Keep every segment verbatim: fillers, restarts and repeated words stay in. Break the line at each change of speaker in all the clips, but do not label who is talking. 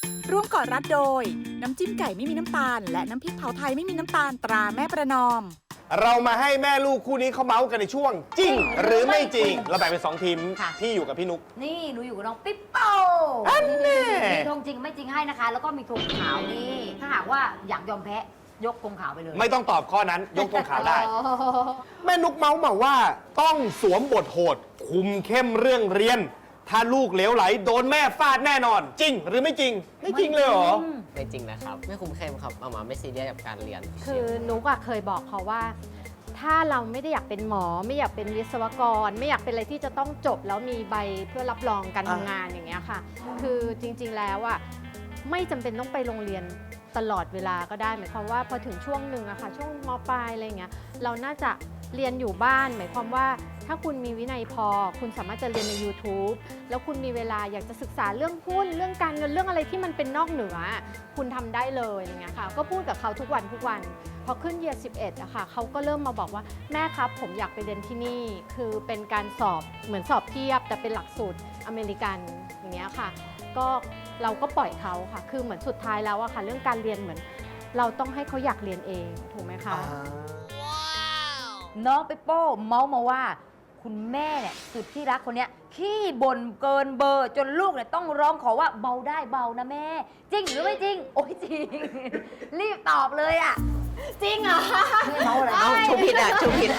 ร่วมก่อรัดโดยน้ำจิ้มไก่ไม่มีน้ำตาลและน้ำพริกเผาไทยไม่มีน้ำตาลตราแม่ประนอม
เรามาให้แม่ลูกคู่นี้เขาเมาส์กันในช่วงจริงหรือไม่จริงเราแบ่งเป็นสองทีม
ค่ะ
พี่อยู่กับพี่นุ๊ก
นี่หนูอยู่กับน้องปิ๊ปโป้
อันแน่
มีธงจริงไม่จริงให้นะคะ แล้วก็มีธงขาวนี่ถ้าหากว่าอยากยอมแพ้ยกธงขาวไปเลย
ไม่ต้องตอบข้อนั้นยกธงขาวได้
อ๋อ
แม่นุ๊กเมาส์มาว่าต้องสวมบทโหด คุมเข้มเรื่องเรียน ถ้าลูกเหลวไหลโดนแม่ฟาดแน่นอน จริงหรือไม่จริง ไม่จริงเลยเหรอ
ไม่จริงนะครับ ไม่คุ้มเข้มครับเอามาไม่ซีเรียสกับการเรียน
คือนุกอะเคยบอกเขาว่า ถ้าเราไม่ได้อยากเป็นหมอ ไม่อยากเป็นวิศวกร ไม่อยากเป็นอะไรที่จะต้องจบแล้วมีใบเพื่อรับรองการทำงานอย่างเงี้ยค่ะ คือจริงๆแล้วอะไม่จำเป็นต้องไปโรงเรียนตลอดเวลาก็ได้หมายความว่าพอถึงช่วงหนึ่งอะค่ะช่วงมปลายอะไรเงี้ยเราน่าจะเรียนอยู่บ้านหมายความว่าถ้าคุณมีวินัยพอ คุณสามารถจะเรียนใน YouTube แล้วคุณมีเวลาอยากจะศึกษาเรื่องหุ้นเรื่องการเงินเรื่องอะไรที่มันเป็นนอกเหนือ คุณทำได้เลยอะไรเงี้ยค่ะก็พูดกับเขาทุกวันทุกวันพอขึ้นเยียร์สิบเอ็ดอะค่ะเขาก็เริ่มมาบอกว่าแม่ครับผมอยากไปเรียนที่นี่คือเป็นการสอบเหมือนสอบเทียบแต่เป็นหลักสูตรอเมริกันอย่างเงี้ยค่ะก็เราก็ปล่อยเขาค่ะคือเหมือนสุดท้ายแล้วอะค่ะเรื่องการเรียนเหมือนเราต้องให้เขาอยากเรียนเองถูกไหมคะ
น้องปิ๊ปโป้เมาส์มาว่า คุณแม่เนี่ยสุดที่รักคนเนี้ยขี้บ่นเกินเบอร์จนลูกเนี่ยต้องร้องขอว่าเบาได้เบานะแม่ จริงหรือไม่จริง โอ้ยจริง รีบตอบเลยอ่ะ
จริงเหรอ
ไม่เมาอะไร
เอาชูผิดอ่ะชูผิด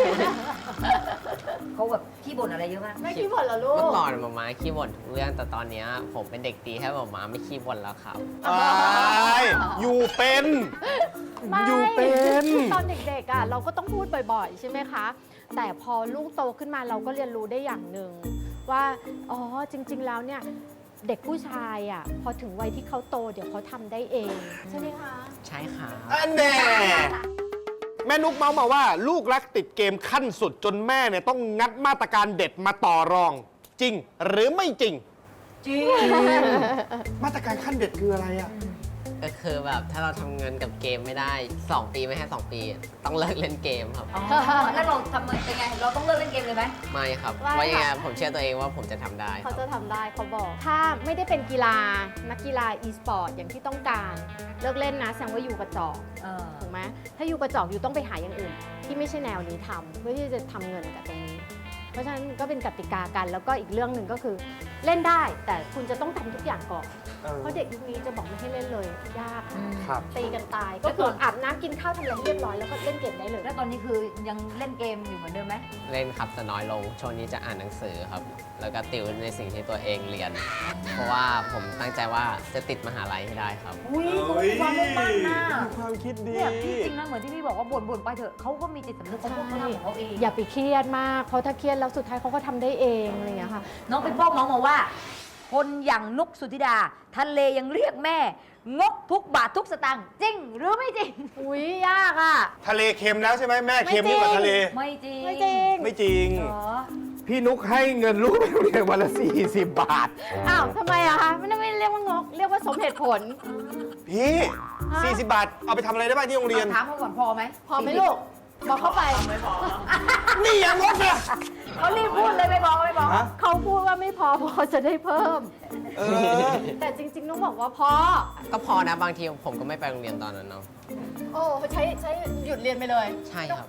เขาแบบขี้บ่นอะไรเยอะมาก
ไม่คิดผลเหรอลู
เมื่อก ก่อนหมาม้าขี้บ่นทุกเรื่องแต่ตอนเนี้ยผมเป็นเด็กดีให้หมาม้าไม่ขี้บ่นแล้วครับ
ไอ้อยู่เป็น
ไม่
อยู่เป็น
คือตอนเด็กๆอ่ะเราก็ต้องพูดบ่อยๆ ใช่ไหมคะ แต่พอลูกโตขึ้นมาเราก็เรียนรู้ได้อย่างหนึ่งว่าอ๋อจริงๆแล้วเนี่ยเด็กผู้ชายอ่ะพอถึงวัยที่เขาโตเดี๋ยวเขาทำได้เองใช่ไหมคะ
ใช่ครับ
อันแน่แม่นุ๊กเมาส์มาว่า ลูกรักติดเกมขั้นสุดจนแม่เนี่ยต้องงัดมาตรการเด็ดมาต่อรอง จริงหรือไม่จริง
จริง
มาตรการขั้นเด็ดคืออะไรอ่ะ
ก็คือแบบถ้าเราทำเงินกับเกมไม่ได้สองปีไม่ให้สองปี ต้องเลิกเล่นเกมครับ
อ๋อแล้วเราทำเป็นไง เราต้องเลิกเล่นเกมเลยไหม
ไม่ครับ
ว่า
ว่ายังไงผมเชื่อตัวเองว่าผมจะทำได้ค
เขา
รับ
จะทำได้เขาบอก ถ้าไม่ได้เป็นกีฬานักกีฬา e สปอร์ตอย่างที่ต้องการเลิกเล่นนะแสดงว่าอยู่กระจอก
เออ
ถูกไหมถ้าอยู่กระจอกอยู่ต้องไปหาอย่างอื่น ที่ไม่ใช่แนวนี้ทำเพื่อที่จะทำเงินกับตรงนี้ เพราะฉะนั้นก็เป็นกติกากันแล้วก็อีกเรื่องหนึ่งก็คือเล่นได้ แต่คุณจะต้องทำทุกอย่างก่อน เพราะเด็กยุคนี้จะบอกไม่ให้เล่นเลยยาก
ครับ
ตีกันตาย ก็คืออาบน้ำกินข้าวทำอะไรให้เรียบร้อยแล้วก็เล่นเกมได้เลย
แล้วตอนนี้คือยังเล่นเกมอยู่เหมือนเดิมไหม
เล่นครับแต่น้อยลงช่วงนี้จะอ่านหนังสือครับ แล้วก็ติวในสิ่งที่ตัวเองเรียน เพราะว่าผมตั้งใจว่าจะติดมหาลัยให้ได้ครับ
อุ้ยเขามีความมุ่งมั่นนะ
มีความคิดดี
เนี่ยพี่จริงนะเหมือนที่พี่บอกว่าบ่นบ่นๆไปเถอะเขาก็มีจิตสำนึกของเขาทำของเขาเอง
อย่าไปเครียดมากเพราะถ้าเครียดแล้วสุดท้ายเขาก็ทำได้เองอะไรอย่างเงี้ยค่ะ
น้องเป็นโป้มองมาว่า คนอย่างนุกสุธิดาทะเลยังเรียกแม่ งกทุกบาททุกสตางค์จริงหรือไม่จริง
อุ้ยยากอ่ะ
ทะเลเค็มแล้วใช่ไหมแม่เค็มยิ่งกว่าทะเล
ไม่จริง
ไม่จริง
ไม่จริง
เหรอ
พี่นุ๊กให้เงินลูกไปโรงเรียนวันละสี่สิบบาท
อ้าวทำไมอะคะไม่ได้ไม่เรียกว่างก เรียกว่าสมเหตุผล
พี่
ฮะ
สี่สิบบาท เอาไปทำอะไรได้บ้างที่โรงเรียน
ถามเขาก่อนพอไหม
พอไหมลูก บอกเข้าไป
นี่อย่างงดนะ
เขารีบพูดเลยไม่บอกไม่บอก
ฮะ
เขาพูดว่าไม่พอเพราะเขาจะได้เพิ่ม
เออ
แต่จริงๆต้องบอกว่าพอ
ก็พอนะบางทีผมก็ไม่ไปโรงเรียนตอนนั้นเนาะ
โอ้ใช้ใช้หยุดเรียนไปเลย
ใช่ครับ
ต้องไป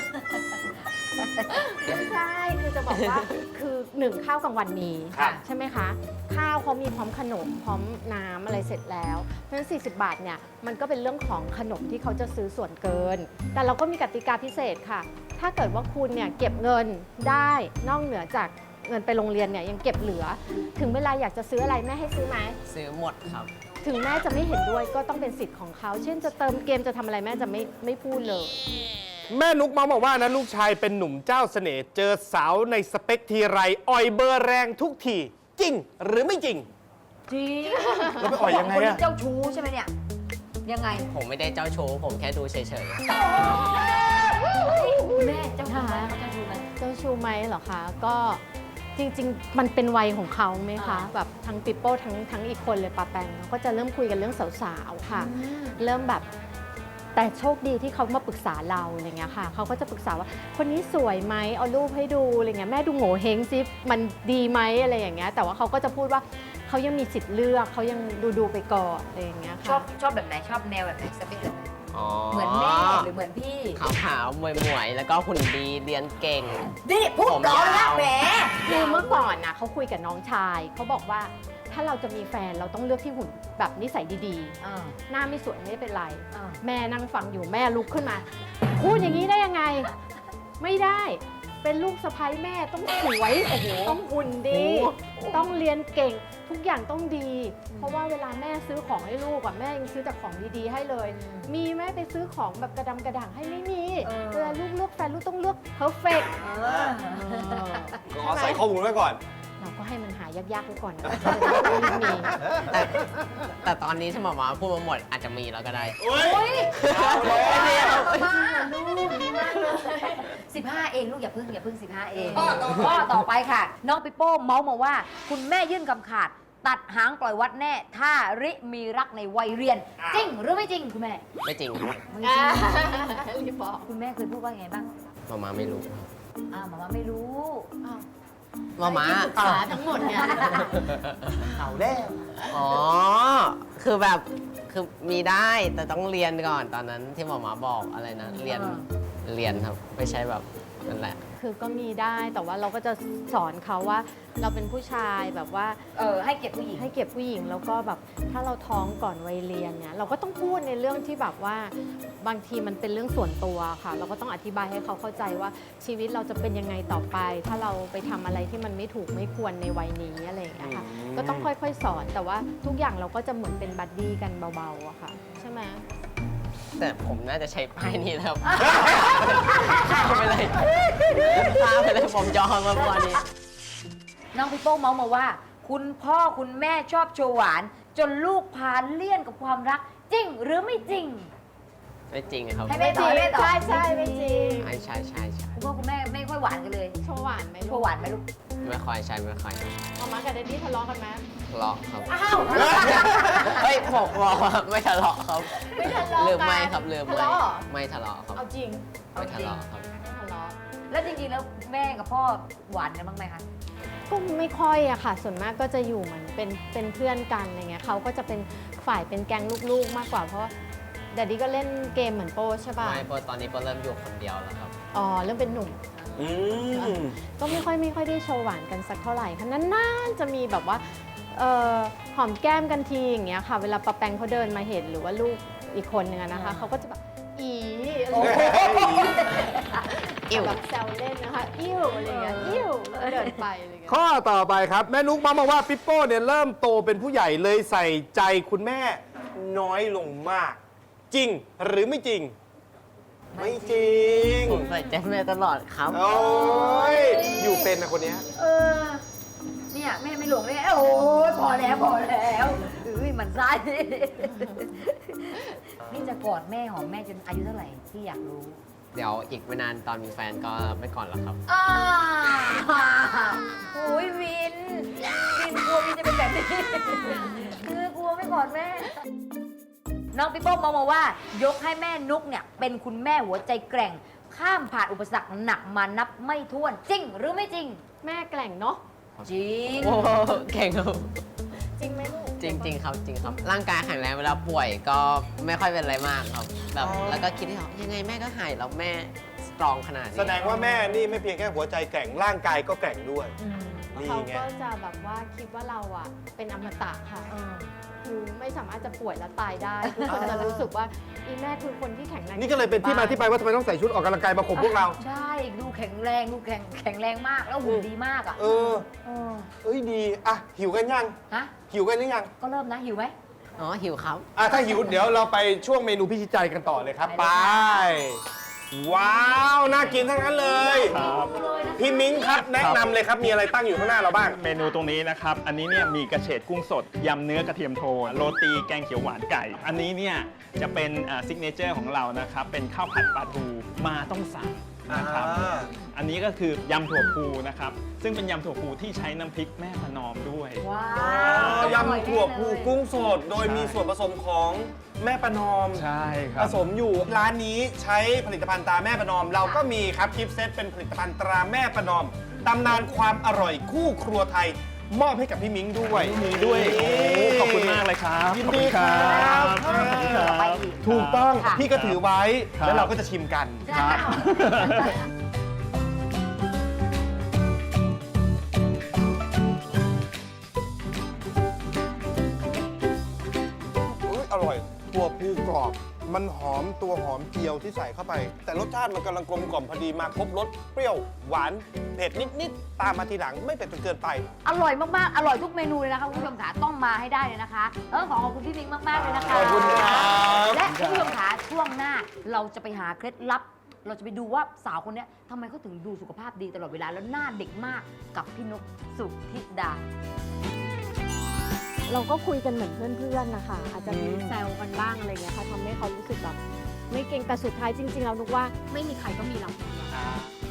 ไม่ใช่ คือจะบอกว่า คือหนึ่งข้าวกลางวันมี
ครับ
ใช่ไหมคะ ข้าวเขามีพร้อมขนม พร้อมน้ำอะไรเสร็จแล้ว เพราะฉะนั้น สี่สิบบาทเนี่ย มันก็เป็นเรื่องของขนมที่เขาจะซื้อส่วนเกิน แต่เราก็มีกติกาพิเศษค่ะ ถ้าเกิดว่าคุณเนี่ยเก็บเงินได้นอกเหนือจากเงินไปโรงเรียนเนี่ยยังเก็บเหลือ ถึงเวลาอยากจะซื้ออะไรแม่ให้ซื้อไหม
ซื้อหมดครับ
ถึงแม่จะไม่เห็นด้วยก็ต้องเป็นสิทธิ์ของเขา เช่นจะเติมเกมจะทำอะไรแม่จะไม่ไม่พูดเลย
แม่นุ๊กเมาบอกว่านะลูกชายเป็นหนุ่มเจ้าเสน่ห์เจอสาวในสเปคทีไรอ่อยเบอร์แรงทุกที จริงหรือไม่จริง
จริง
แล้วไปอ่อยยังไง
คน
อะ
ที่เจ้าชู้ใช่ไหมเนี่ย ยังไง
ผมไม่ได้เจ้าชู้ผมแค่ดูเฉย
แม่เจ้าชู้ไหมเขาเจ้าชู้ไหม
เจ้าชูไหมเหรอคะ ก็จริงๆ มันเป็นวัยของเขาไหมคะ
อ่า
แบบทั้งปิปโป้ทั้งทั้งอีกคนเลยปาแปงเขาก็จะเริ่มคุยกันเรื่องสาวๆค่ะ เริ่มแบบแต่โชคดีที่เขามาปรึกษาเราอะไรเงี้ยค่ะเขาก็จะปรึกษาว่าคนนี้สวยไหมเอารูปให้ดูอะไรเงี้ยแม่ดูโง่เฮงซิมันดีไหมอะไรอย่างเงี้ยแต่ว่าเขาก็จะพูดว่าเขายังมีสิทธิ์เลือกเขายังดูดูๆไปก่อนอะไรอย่างเงี้ย
ชอ
ค่ะ
บชอบแบบไหนชอบแนวแบบไหนสเปคแบบไหน
อ๋อ
เหมือนแม่หรือเหมือนพี่
ขาวขาวๆมวยมวยๆแล้วก็หุ่นดีเรียนเก่ง
นี่พูด
ผม
ร้อน
ยา
นะ
ว
แหม
คือเมื่อก่อนนะเขาคุยกับน้องชายเขาบอกว่าถ้าเราจะมีแฟนเราต้องเลือกที่หุ่นแบบนิสัยดี
อ่า
ๆ หน้าไม่สวยไม่เป็นไร
อ่า
แม่นั่งฟังอยู่แม่ลุกขึ้นมา พูดอย่างนี้ได้ยังไง ไม่ได้ เป็นลูกสะใภ้แม่ต้องสวยต้องหุ่นดี ต้องเรียนเก่งทุกอย่างต้องดี เพราะว่าเวลาแม่ซื้อของให้ลูกอะแม่ยังซื้อแต่ของดีๆให้เลย มีแม่ไปซื้อของแบบกระดำกระด่างให้ไม่มีเวลาลูกเลือกแฟนลูกต้องเลือก perfect
เออ
ขอใส่ข้อมูลไว้ก่อน
เราก็ให้มันหายากๆไว้ก่อนนะมี
แต่แต่ตอนนี้ที่หมอมาพูดมาหมดอาจจะมีแล้วก็ได้
โอ้ย
มาลูกดีมากเลยสิบห้าเองลูกอย่าพึ่งอย่าพึ่งสิบห้าเองข้อต่อไปค่ะ น้องปิโป้เมาส์มาว่า คุณแม่ยื่นคำขาด ตัดหางปล่อยวัดแน่ ถ้าริมีรักในวัยเรียน จริงหรือไม่จริงคุณแม่
ไม่จริงครับ
ไม่จริง
รีบบอก
คุณแม่เคยพูดว่าไงบ้าง
หมอมาไม่รู้ครับ
อ้าวหมอมาไม่รู้
หมอมา
ขาทั้งหมดเนี่ย
เอาแล้ว
อ๋อ คือแบบคือมีได้แต่ต้องเรียนก่อนตอนนั้นที่หมอมาบอกอะไรนะ เรียน
อ่า
เรียนครับไม่ใช่แบบนั่นแหละ
คือก็มีได้แต่ว่าเราก็จะสอนเขาว่าเราเป็นผู้ชายแบบว่า
เออให้เกียรติผู้หญิง
ให้เก็บผู้หญิงแล้วก็แบบถ้าเราท้องก่อนวัยเรียนเนี่ยเราก็ต้องพูดในเรื่องที่แบบว่าบางทีมันเป็นเรื่องส่วนตัวค่ะ เราก็ต้องอธิบายให้เขาเข้าใจว่าชีวิตเราจะเป็นยังไงต่อไป ถ้าเราไปทำอะไรที่มันไม่ถูกไม่ควรในวัยนี้อะไรอย่างเงี้ยค่ะก็ต้องค่อยๆสอนแต่ว่าทุกอย่างเราก็จะเหมือนเป็นบัดดี้กันเบาๆอะค่ะใช่ไหม
แต่ผมน่าจะใช้ป้ายนี้แล้วข้ามไปเลยข้ามไปเลยผมจองมาเมื่อวานนี้
น้องปิโป้เมาส์มาว่า คุณพ่อคุณแม่ชอบโชว์หวาน จนลูกพาเลี่ยนกับความรัก จริงหรือไม่จริง
ไม่จริงครับ
ให้แม่ตอบให้แม่ตอบ
ใช่ใช่ไม่จริง
ใช่ใช่ใช่ใช่
คุณพ่อคุณแม่ไม่ค่อยหวานกันเลย
โชว์หวานไหม
โช
ลูก
ว์หวานไหมลูก
ไม่ค่อยใช่ไม่ค่อย
มาม่ากับเดดดี้ทะเลาะกันไหม
ทะเลาะครับ
อ้าว
เฮ้ยผมบอกว่าไม่ทะเลาะครับ
ไม่ทะเลาะกัน
ลืมไม่ครับลืม
ทะ
ไม่
เลาะเหรอ
ไม่ทะเลาะครับ
เอาจริง
ไม่ทะเลาะครับ
ไม่ทะเลาะ
แล้วจริงๆแล้วแม่กับพ่อหวานกันบ้างไหมคะ
ก็ไม่ค่อยอะค่ะ ส่วนมากก็จะอยู่เหมือนเป็นเป็นเพื่อนกันอะไรเงี้ยเขาก็จะเป็นฝ่ายเป็นแก๊งลูกๆมากกว่าเพราะว่าแดดดี้ก็เล่นเกมเหมือนโป้ใช่ป่ะ
ไม่เพราะตอนนี้ก็เริ่มอยู่คนเดียวแล้วครับ
อ๋อเริ่มเป็นหนุ่ม
อืม
ก็ไม่ค่อยไม่ค่อยได้โชว์หวานกันสักเท่าไหร่ค่ะนานๆจะมีแบบว่าเอ่อหอมแก้มกันทีอย่างเงี้ยค่ะ เวลาปะแปงเขาเดินมาเห็นหรือว่าลูกอีกคนนึงอะนะคะ
อ่า
เขาก็จะแบบอีอะไร
โอ้
อย่างเงี้ย
อิ่ว
แบบแซวเล่นนะคะอิ่วอะไรเงี้ยอิ่วแล้วก็เดินไปอะไรเงี้ย
ข้อต่อไปครับ แม่นุ๊กมามาว่าปิโป้เนี่ยเริ่มโตเป็นผู้ใหญ่เลยใส่ใจคุณแม่น้อยลงมาก จริงหรือไม่จริง ไม่จริง
ผมใส่ใจแม่ตลอดครับ
โอ้ยอยู่เป็นนะคนเนี้ย
เออ เนี่ยแม่ไม่หลงเลยโอ้ยพอแล้วพอแล้วอุ้ยมันไส้นี่จะกอดแม่หอมแม่จนอายุเท่าไหร่ที่อยากรู้
เดี๋ยวอีกไม่นานตอนมีแฟนก็ไม่ก่อนแล้วครับ
อ้าโอ้ยวิน วินกลัววินจะเป็นแบบนี้ คือกลัวไม่กอดแม่ น้องปิโป้มองมาว่า ยกให้แม่นุกเนี่ยเป็นคุณแม่หัวใจแกร่ง ข้ามผ่านอุปสรรคหนักมานับไม่ถ้วน จริงหรือไม่จริง
แม่แกล่งเนาะ
จริง
โอ้เก่งครับ
จริงไหมลูก
จริงจริงครับจริงครับ ร่างกายแข็งแรงเวลาป่วยก็ไม่ค่อยเป็นอะไรมากครับแบบแล้วก็คิดที่เขายังไงแม่ก็หายแล้วแม่สตรองขนาดนี้
แสดงว่าแม่นี่ไม่เพียงแค่หัวใจแกร่งร่างกายก็แกร่งด้วย
อืม
นี่
เขา
ไง
ก็จะแบบว่าคิดว่าเราอะเป็นอมตะค่ะ
เออ
คือไม่สามารถจะป่วยแล้วตายได้ทุกคนจะรู้สึกว่าอีแม่คือคนที่แข็งแรง
นี่ก็เลยเป็นที่มาที่ไปว่าทำไมต้องใส่ชุดออกกำลังกายมาข่มพวกเรา
ใช่ ดูแข็งแรงดูแข็งแข็งแรงมากแล้วหุ่นดีมากอ่ะ
เออ
เออ
เอ้ยดี อ่ะ หิวกันยัง
ฮะ
หิวกันหรือยัง
ก็เริ่มนะหิวไหม
อ๋อหิวครับ
อ่ะ ถ้าหิวเดี๋ยวเราไปช่วงเมนูพิชิตใจกันต่อเลยครับ
ไป
ไป
เลย
ว้าว น่ากินทั้งนั้นเลย พี่มิ้งครับ แนะนำเลยครับ มีอะไรตั้งอยู่ข้างหน้าเราบ้าง
เมนูตรงนี้นะครับ อันนี้เนี่ยมีกระเฉดกุ้งสด ยำเนื้อกระเทียมโทนโรตีแกงเขียวหวานไก่ อันนี้เนี่ยจะเป็นซิกเนเจอร์ของเรานะครับ เป็นข้าวผัดปลาทูมาต้องสั่งนะครับ
อ่า
อันนี้ก็คือยำถั่วพูนะครับ ซึ่งเป็นยำถั่วพูที่ใช้น้ำพริกแม่ประนอมด้วย
ว้า
อ๋
ว
อยำถั่วพูกุ้งสด โดยมีส่วนผสมของแม่ประนอม
ใช่ค
ผ
รับ
สมอยู่ร้านนี้ใช้ผลิตภัณฑ์ตราแม่ประนอม เราก็มีครับกิฟต์เซตเป็นผลิตภัณฑ์ตราแม่ประนอมตำนานความอร่อยคู่ครัวไทยมอบให้กับพี่มิ้งด้วย
มีด้วยโอ้ขอบคุณมากเลยครับ
ยิน
ขอบ
ดี
คุณ
ค
ค
รั
รับ
บ
ขอบคุณครับ
ไปอีก
ถูกต้อง
ค่ะ
พี่ก็ถือไว้
ครับ
แล้วเราก็จะชิมกัน
ครับ
อุ๊ยอร่อยตัวปูกรอบ มันหอมตัวหอมเจียวที่ใส่เข้าไป แต่รสชาติมันกำลังกลมกล่อมพอดีมาครบรสเปรี้ยวหวานเผ็ดนิด ๆ ตามมาทีหลังไม่เผ็ดจนเกินไป
อร่อยมาก ๆ อร่อยทุกเมนูเลยนะคะคุณผู้ชมขาต้องมาให้ได้เลยนะคะ เออขอขอบคุณพี่มิงมาก ๆ เลยนะคะ
ขอบคุณครับ
และคุณผู้ชมขาช่วงหน้าเราจะไปหาเคล็ดลับ เราจะไปดูว่าสาวคนเนี้ยทำไมเขาถึงดูสุขภาพดีตลอดเวลาแล้วหน้าเด็กมากกับพี่นกสุธิดา
เราก็คุยกันเหมือนเพื่อนๆนะคะอาจจะมีแซวกันบ้างอะไรเงี้ยค่ะทำให้เขารู้สึกแบบไม่เก่งแต่สุดท้ายจริงๆเรานึกว่าไม่มีใครก็มีเราคนเดียว